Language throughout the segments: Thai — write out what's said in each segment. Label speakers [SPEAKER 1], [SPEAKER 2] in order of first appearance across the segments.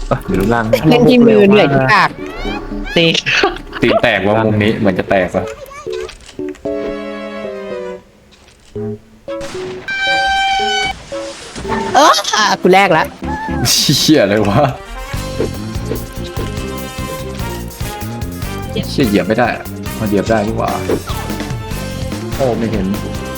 [SPEAKER 1] อยู่รูปร่าง
[SPEAKER 2] เล่นที่มือเหนื่อยที่ปาก
[SPEAKER 3] ตี
[SPEAKER 1] ตีนแตกว่ามุมนี้เหมือนจะแตกซะ
[SPEAKER 2] กูแรกละ
[SPEAKER 1] เชี่ยเลยวะเชี่ยเหยียบไม่ได้อะมันเหยียบได้ดีกว่าโอ้ไม่เห็น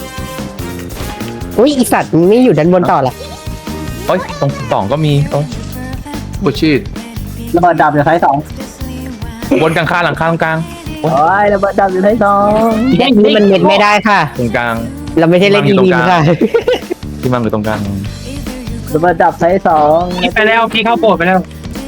[SPEAKER 2] อุ้ยอีสัตว์มึงไม่อยู่ด้านบนต่อละ
[SPEAKER 1] เอ้ยตรงสองก็มีโอ้บุชีด
[SPEAKER 4] ระเบิดดับอยู่ท้ายสอง
[SPEAKER 1] บนกลางคาหลังคาตรงกลาง
[SPEAKER 4] โอ้ยระเบิดดับอยู่ท้ายสอง
[SPEAKER 2] แดกนี่มันเม็ดไม่ได้ค่ะ
[SPEAKER 1] ตรงกลาง
[SPEAKER 2] เราไม่ใช่เล่นดีๆค่ะ
[SPEAKER 1] ที่มันอยู่ตรงกลาง
[SPEAKER 4] ระเบิดดับท้ายสอง
[SPEAKER 3] พี่ไปแล้วพี่เข้าโบสถ์ไปแล้ว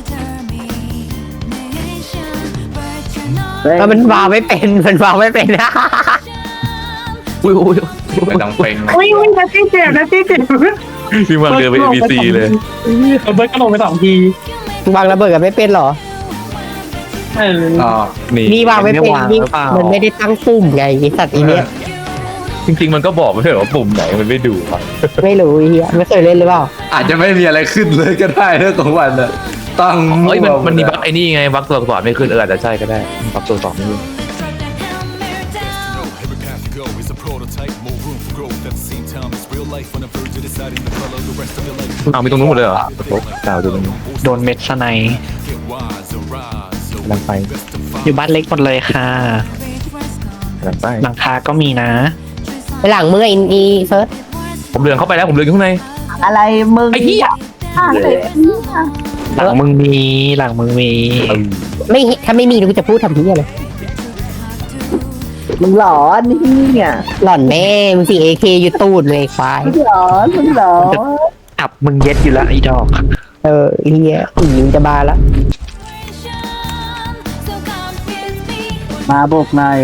[SPEAKER 2] มันวางไม่เป็นมันวางไม่เป็นนะ
[SPEAKER 1] อุ้ยอุ้ยเป็นดังเพลง
[SPEAKER 3] อุ้ยนัตตี้เจ็บนัตตี้เจ็บ
[SPEAKER 1] พี่มันเดินไป ABC เลย
[SPEAKER 3] เบิร์ดก็ลงไป2 ที
[SPEAKER 2] วางระเบิดกันไม่เป็นหรอ
[SPEAKER 1] อ๋อนี่
[SPEAKER 2] นี่วางไม่เป็นนี่มันไม่ได้ตั้งปุ่มไงไอ้สัตว์อีเนี้ย
[SPEAKER 1] จริงๆมันก็บอกไม่ใช่เหรอว่าปุ่มไหนมันไม่ดูครับ
[SPEAKER 2] ไม่รู้ไอ้เหี้ยไม่เคยเล่นหรือเปล่า
[SPEAKER 1] อาจจะไม่มีอะไรขึ้นเลยก็ได้เรื่องของมันอะตั้งเฮ้ยมันมีบั๊กไอ้นี่ไงบั๊กตัวสอบไม่ขึ้นอาจจะใช่ก็ได้บั๊กตัวสอบไม่ขึ้น
[SPEAKER 5] Every path you go is a prototype, more room for growth. At the same time, it's real life on the verge of deciding to follow the rest of your life.
[SPEAKER 1] เอามีตรงนู้นหมดเลยเหรอโอ้ดาวตรงนู้น
[SPEAKER 3] โดนเม็ดสไน
[SPEAKER 5] Get wise, arise,
[SPEAKER 1] กำลังไป
[SPEAKER 3] อยู่บ้านเล็กหมดเลยค่ะ
[SPEAKER 1] กำลังไป
[SPEAKER 3] หลังคาก็มีนะ
[SPEAKER 2] ไปหลังมืออีเฟิร์ส
[SPEAKER 1] ผมเดินเข้าไปแล้วผมเดินอยู่ข้างใน
[SPEAKER 4] อะไรมึง
[SPEAKER 1] ไอ้เหี้ย
[SPEAKER 3] หลังมึงมีหลังมึงมี
[SPEAKER 2] ไม่ถ้าไม่มีกูจะพูดทำที่อะไร
[SPEAKER 4] มึงหลอนเนี่ย
[SPEAKER 2] หล่อนแม่มึงสิเอเคอยู่ตูดเลยควาย
[SPEAKER 4] มึงหลอนมึงหลอน
[SPEAKER 3] อับมึงเย็ดอยู่แล้วไอ้ดอก
[SPEAKER 2] ไอ้เหี้ยอีมึงจะบาละ
[SPEAKER 4] มาบุกหน่อย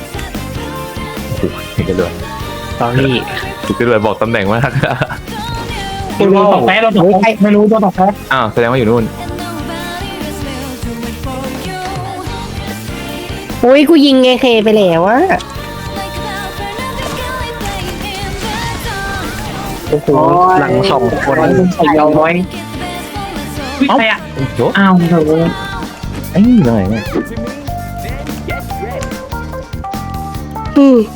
[SPEAKER 1] เห็นกันเลย
[SPEAKER 3] ตอรี่
[SPEAKER 1] เห็นกันเลยบอกตำแหน่งมาก
[SPEAKER 3] ไม่รู้ตกแพ้เราตกไม่รู้ตัวตกแพ้
[SPEAKER 1] อ้าวแสดงว่าอยู่นู่น
[SPEAKER 2] อุ้ยกูยิงเอเคไปแล้วอะโอ้โห
[SPEAKER 3] หลัง2 คนใส่เอาไว้ใครอ่ะ
[SPEAKER 1] โย
[SPEAKER 3] อ้าวเถอะ
[SPEAKER 1] ไอ้ยอะไรเนี่ย
[SPEAKER 2] อืม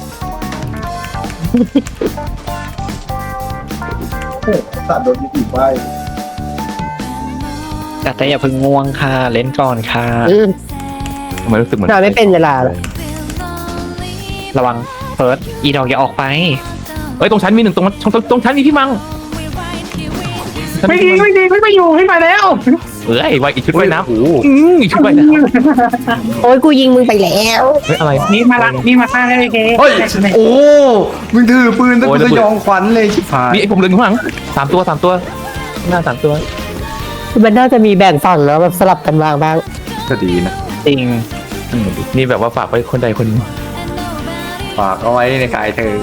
[SPEAKER 3] แต่อย่าเพิ่งง่วงค่ะเล่นก่อนค่ะ
[SPEAKER 1] ทำไมรู้สึกเหมือน
[SPEAKER 2] นอนไม่เป็นเวลาเลย
[SPEAKER 3] ระวังเฟิร์สอีดอกอย่าออกไป
[SPEAKER 1] เอ้ยตรงชั้นมีหนึ่งตรงชั้นมีพี่มัง
[SPEAKER 3] ไม่ดีไม่ดีไม่อยู่ให้มาแล้ว
[SPEAKER 1] เอ้ยไว้อีกชุดว่ายน้ำโอ้อีกชุดว่ายน้ำ
[SPEAKER 2] โอ้ยกูยิงมึงไปแล้ว
[SPEAKER 1] เฮ้ยอะไร
[SPEAKER 3] นี่มาละนี่มาฆ่าได้เลยเค
[SPEAKER 1] เฮ้ยโอ้มึงถือปืนตั้งแต่ยองขวัญเลยชิบหายนี่ไอ้ผมเดินข้างหลัง3 ตัวหน้า3 ตัว
[SPEAKER 2] มันน่าจะมีแบ่งฝั่งแล้วแบบสลับกันวางบ้าง
[SPEAKER 1] ก็ดีนะ
[SPEAKER 3] จริง
[SPEAKER 1] นี่แบบว่าฝากไว้คนใดคนหนึ่งฝากเอาไว้ในกายเธอ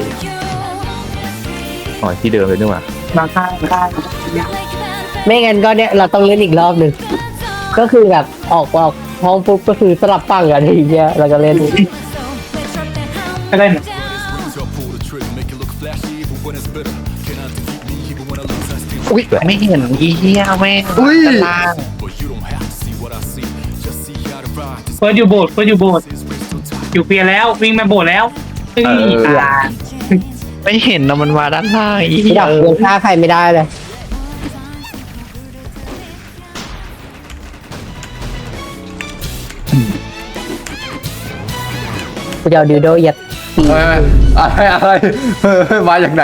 [SPEAKER 1] อ๋อที่เดิมเลยนี่หว่า
[SPEAKER 3] มาฆ่า
[SPEAKER 2] ไม่งั้นก็เนี่ยเราต้องเล่นอีกรอบหนึ่งก็คือแบบออกห้องปุ๊บก็คือสลับฝั่งกันทีเดียวเราก็เล่น
[SPEAKER 3] ก็เล่น
[SPEAKER 5] Tell pull the trigger, make it look flashy, even when it's bitter. Cannot defeat me, even when I lose, I still.
[SPEAKER 3] อุ้ยไม่เห็นอีเหี้ยแม่งด้านล่าง
[SPEAKER 5] But you don't have to see what I see. Just see how to ride. This
[SPEAKER 3] เฟิร์สอยู่โบสถ์อยู่เปียแล้ววิ่งมาโบสถ์แล้วไม่เห็นนะมันมาด้านล่างอี
[SPEAKER 2] ดับเงินค่าใครไม่ได้เลยกูจะเอาดิวโดยัด
[SPEAKER 1] อะไรมาจากไหน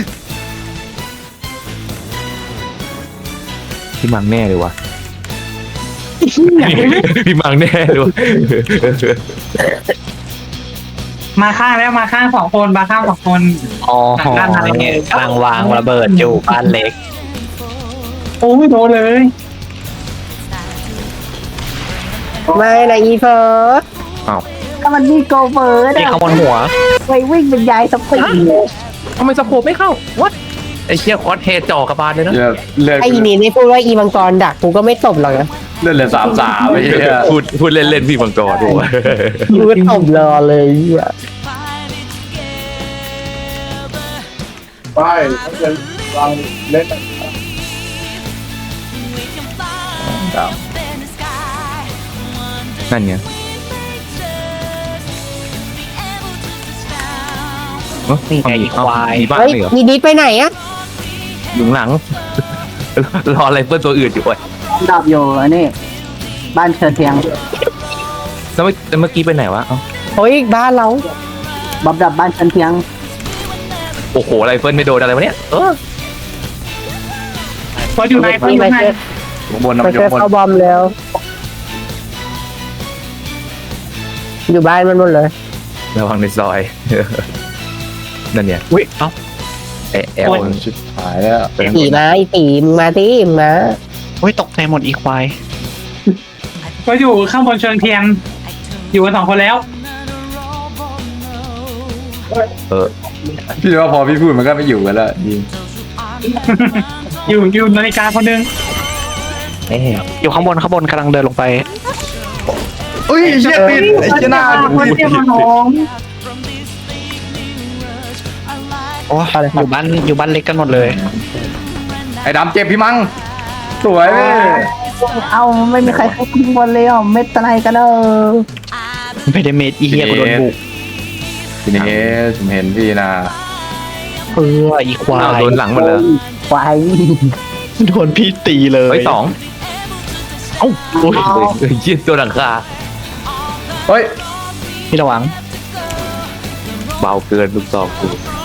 [SPEAKER 1] พี่มังแน่เลยวะพี่มังแน่เลยวะ
[SPEAKER 3] มาฆ่าแล้วมาฆ่า2 คนมาฆ่า2 คนอ๋อกำลังวางระเบิดอยู่บ้านเล็กโอ้ไม่โดนเลย
[SPEAKER 2] ไม่นะอีเฟิร์ส
[SPEAKER 1] อ้าว
[SPEAKER 4] ถ้ามันมีโกเบอร์
[SPEAKER 3] นี่
[SPEAKER 4] นะ
[SPEAKER 3] เขาบนหัว
[SPEAKER 4] ไปวิ่งเป็นยายสปีด
[SPEAKER 1] ทำไมสโคปไม่เข้าวัดไอ้เชี่ยคอสเฮดจ่อกระบาลเลยนะเลือด
[SPEAKER 2] ไอ้อีนี่ไม่พูดว่าอีมังกรดักกูก็ไม่ตบหรอกนะ
[SPEAKER 1] เลือดเลย3-3ไม่ใช่พูดเล่นพี่มังกรด้วย
[SPEAKER 2] กูก็ตบรอเลยอ่ะ
[SPEAKER 6] ไปเขาจะลองเล่น
[SPEAKER 1] ครับนั่นไง
[SPEAKER 3] นี่ไงอีควาย
[SPEAKER 1] มีบ้าน
[SPEAKER 2] เฮ้ย
[SPEAKER 1] เลยเหรอ
[SPEAKER 2] มีดิสไปไหนอะ
[SPEAKER 1] อยู่หลัง รออะไรเพื่อนตัวอื่นอยู่เว้ย
[SPEAKER 4] ดับอยู่อันนี้บ้านเชิญเทียง
[SPEAKER 1] แล้วเมื่อกี้ไปไหนวะเอ้า
[SPEAKER 2] เฮ้ยบ้านเรา
[SPEAKER 4] บ๊อบดับบ้านเชิญเทียง
[SPEAKER 1] โอ้โหไรเฟิลไม่โดนอะไรวะเนี่ย
[SPEAKER 3] พออยู่ไหนพออยู่
[SPEAKER 2] ไป
[SPEAKER 3] ไหน
[SPEAKER 2] เจอ
[SPEAKER 1] อยู่บน
[SPEAKER 2] ไป
[SPEAKER 1] นะอ
[SPEAKER 2] เจ
[SPEAKER 1] ยู่
[SPEAKER 2] อบ
[SPEAKER 1] น
[SPEAKER 2] เข้าบอมแล้ว อยู่บ้านมันหมดเลย
[SPEAKER 1] ระวังในซอย นั่นเนี่ย
[SPEAKER 3] อุ้ยเอ้า
[SPEAKER 1] แอลชิบหายแล้ว
[SPEAKER 2] ตีมาไอ้ตีมึงมาตีมึงมา
[SPEAKER 3] อุ้ยตกใจหมดอีควาย
[SPEAKER 7] ก็อยู่ข้างบนเชิงเทียน อยู่กัน2 คนแล้ว
[SPEAKER 1] พี่ว่าพอพี่พูดมันก็ไม่อยู่กันแล้วยิง
[SPEAKER 7] อยู่นาฬิกาคนหนึง
[SPEAKER 3] อยู่ข้างบนกำลังเดินลงไป
[SPEAKER 1] อุ้ยเชี่ยติดไอ้เชี่ยหน้า
[SPEAKER 7] คนเทียมน้อง
[SPEAKER 3] โอ้อยู่บ้านเล็กกันหมดเลย
[SPEAKER 1] ไอ้ดำเจ็บพี่มังสวยเว้ย
[SPEAKER 4] เอาไม่มีใครเข้าขึ้นบนเลยอ่ะเม็ดอะไรกัน
[SPEAKER 3] ไม่ได้เมดอีเฮียกูโดนบุก
[SPEAKER 1] ทีนี้ผมเห็นพี่นะ
[SPEAKER 3] อีควา
[SPEAKER 1] อ้าวย โดนหลังหมดเลย
[SPEAKER 4] ควาย
[SPEAKER 3] โดนพี่ตีเลย
[SPEAKER 1] เฮ้ย2เอ้าโอ้ยเชี่ยตัวหลังคาเฮ้ย
[SPEAKER 3] พี่ระวัง
[SPEAKER 1] เบาเกินลูกซองกู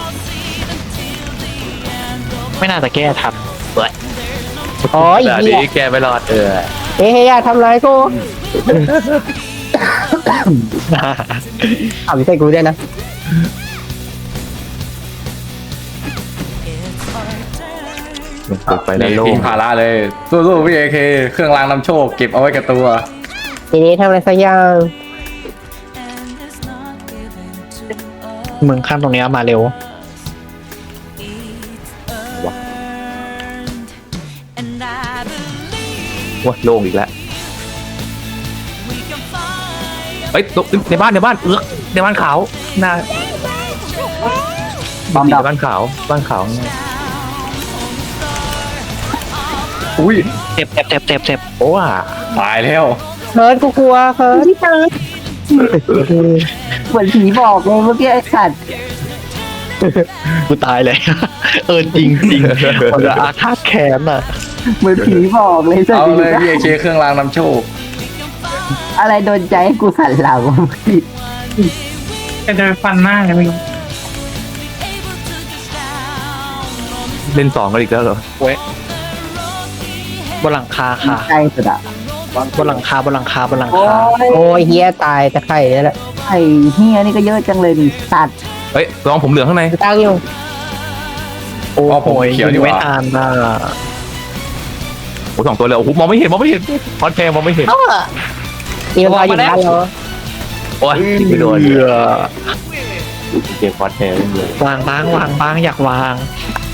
[SPEAKER 3] ไม่น่าจะแก้ทัน
[SPEAKER 2] อ๋ออี
[SPEAKER 1] แต่
[SPEAKER 2] เหี้ย
[SPEAKER 1] นี้แกไม่รอด
[SPEAKER 2] เฮ้ยอย่าทำร้ายกูเอาไม่ใช่กูด้วยนะ
[SPEAKER 1] เปิดไปแล้วโล่งพาราเลยสู้ๆพี่เอเคเครื่องรางนำโชคเก็บเอาไว้กับตัว
[SPEAKER 2] ทีนี้ทำอะไรสักอย่าง
[SPEAKER 3] มึงข้ามตรงนี้มาเร็ว
[SPEAKER 1] ว้าโล่งอีกแล้วเฮ้ยในบ้านในบ้านขาวหน้า
[SPEAKER 4] บอมดับ
[SPEAKER 1] บ้านขาวอุ้ย
[SPEAKER 3] เจ็บ
[SPEAKER 1] โอ้ว่ะตายแล้ว
[SPEAKER 2] เฮิร์ตกูกลัวเฮิร์ต
[SPEAKER 4] เหมือนผีบอกเลยเมื่อกี้ไอ้สัตว์
[SPEAKER 3] กูตายเลย จริงคนละอาฆาตแค้นอ่ะ
[SPEAKER 4] เหมือนผีบอกเลยสัต
[SPEAKER 1] เอา
[SPEAKER 4] ว์
[SPEAKER 1] เลยพี่เอเคเครื่องรางนำโชค
[SPEAKER 4] อะไรโดนใจให้กูสั่นเหล่า
[SPEAKER 7] จะเดินฟันหน้าเลยมึง
[SPEAKER 1] เล่น2กันอีกแล้วเหรอ
[SPEAKER 3] บนหลังคาค่ะ
[SPEAKER 4] ใจสุดอ่ะ
[SPEAKER 3] บนหลังคา
[SPEAKER 4] โอ้ย
[SPEAKER 2] โอ้ยเฮียตายแต่ไข่เนี่ยแหละ
[SPEAKER 4] ไอ้เฮียนี่ก็เยอะจังเลยดิสัตว์
[SPEAKER 1] เฮ้ยลองผมเหลืองข้างใน
[SPEAKER 2] ตั้งอยู่
[SPEAKER 3] โอ้
[SPEAKER 1] อ๋อผมเขียวดีกว่า
[SPEAKER 3] ไม่ทานอ่ะ
[SPEAKER 1] โอ้2ตัวเลยโอ้โหมองไม่เห็นคอนแทงมองไม่เห็น
[SPEAKER 2] นี่มันพออยู่บ้านเรา
[SPEAKER 1] โอ้ยยิงไม่โดนเกมคอนแทงเลย
[SPEAKER 3] วางบ้างอยากวาง